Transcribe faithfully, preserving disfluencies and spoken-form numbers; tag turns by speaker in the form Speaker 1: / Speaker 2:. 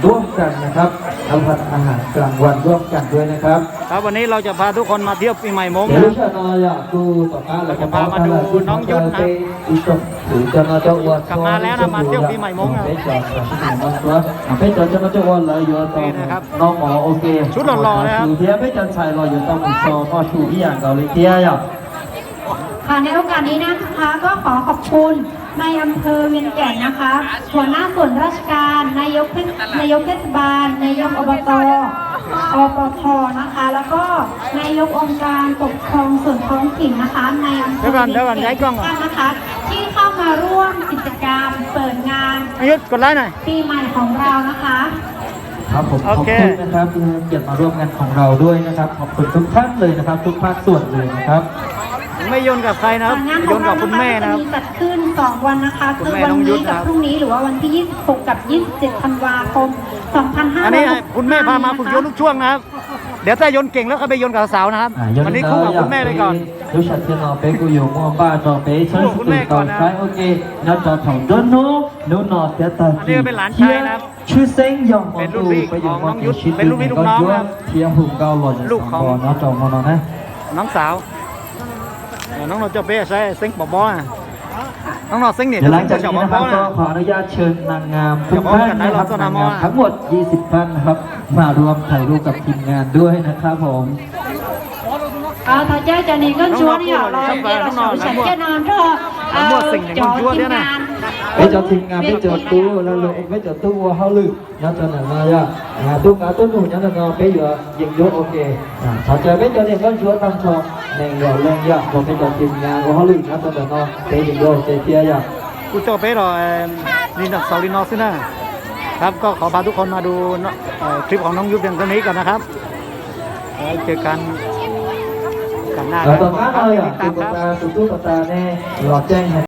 Speaker 1: ร่วมกันนะครับรับประทานอาหารกลางวันร่วมกันด้วยนะครับ
Speaker 2: ครับวันนี้เราจะพาทุกคนมาเที่ยวปีใหม่มง
Speaker 1: เดี๋ยว
Speaker 2: นะ
Speaker 1: ชาวนอยากดูต่อมา
Speaker 2: เราจะพามาดูน้องยุทธนะ
Speaker 1: อีกหรือจะมาเจ้าอวด
Speaker 2: กลับมาแล้วนะมาเที่ยวปีใหม่มงนะ
Speaker 1: เพชรจอดเพชรจอดจะมาเจ้าอวดเลยเยอะตอนน้องหมอโอเค
Speaker 2: ชุดหล่อๆนะครับ
Speaker 1: เทียเพชรจันทร์ชัยรออยู่ต้องซอก็ชูที่อย่างเกาหลีเทียอย่าง
Speaker 3: ค่ะในโอกาสนี้นะคะก็ขอขอบคุณในายอำเภอเวียงแก่นนะคะหัวหน้าส่วนราชการนายกนายกเทศบาลนายกอบตอปทนะคะ แล้วก็นายกองค์การปกครองส่วนท้องถิ่นนะคะในอำเภอเวียงแก่นนะคะที่เข้ามาร่วมกิจกรรมเปิดงาน
Speaker 2: อายุกดไลค์หน่อย
Speaker 3: ปีใหม่ของเรานะคะ
Speaker 1: ครับผมขอบคุณนะครับที่ให้เกียรติมาร่วมงานของเราด้วยนะครับขอบคุณทุกท่านเลยนะครับทุกภาคส่วนเลยนะครับ
Speaker 2: ไม่โยนกับใครนะครับ
Speaker 3: งาน
Speaker 2: โย
Speaker 3: ของ
Speaker 2: น
Speaker 3: เรา
Speaker 2: กับคุณแม่นะครับ
Speaker 3: จะมีจัดขึ้นสองวันนะคะ
Speaker 2: คุ
Speaker 3: คื
Speaker 2: ณ
Speaker 3: อ
Speaker 2: แม่
Speaker 3: วัน
Speaker 2: น้องยุท
Speaker 3: นี้
Speaker 2: ธ
Speaker 3: กับ
Speaker 2: นะครับ
Speaker 3: พรุ่งนี้หรือว่าวันที่ยี่สิบหกกับยี่สิบเจ็ดธันวาคมสองพันห้าร้อย
Speaker 2: อันนี้คุณแม่พามาฝึกโยนลูกช่วงนะครับ เดี๋ยวถ้าโยนเก่งแล้วก็ไปโยนกับสาวนะครับ วันนี้คู่กับคุณแม่ไปก่อน
Speaker 1: รู้ชัดเจนเอาไปกูอยู่มั่วบ้าจอไปเชิญสุดก่อนใช้โอเคนัดจอถองด้นนู้นู้นอเสียตาชื่อเซ็งยองของตูไปอยู่มองชิ้นเป็นลูกพี่ลูกน้องครับเทียมหุ่มเกาหล่นลูกของน้องจอมอนนะ
Speaker 2: น้องสาวน้องเราจะเป้ใช้เซ็งปอบอน้องเราเซ็งเนี่ย
Speaker 1: เดี๋ยวหลังจากนี้นะครับก็ขออนุญาตเชิญนางงามทุกท่านนะครับนางงามทั้งหมดยี่สิบท่านนะครับมารวมถ่ายรูปกับทีมงานด้วยนะครับผม
Speaker 3: à thời gian cho nên con chúa đi ở rồi giờ là sáu chặt cho nên thôi cho team ngàn
Speaker 1: ไปจอทีมงานไปจอตู้แล้วเลยไปจอตู้ว่าเขาลืมนั่นจะไหนมาอ่ะตู้การตู้หนูนั่นจะไปอยู่ยิงยศโอเคถ้าเจอไปจอเนี่ยก็ชัวร์ตั้งชองแรงหล่อแรงยากพอไปจอทีมงานว่าเขาลืมนั่นจะไหนไปยิงยศเจียอย่าง
Speaker 2: กูโจเป้หรอลินดอกเสาลินนอซึ่งนะครับก็ขอพาทุกคนมาดูคลิปของน้องยุบเพียงเท่านี้ก่อนนะครับเจอกันกันหน้า
Speaker 1: ต่อมาเลยอ่ะตุ๊กตาตุ๊กตาเนี่ยหลอดแจ้ง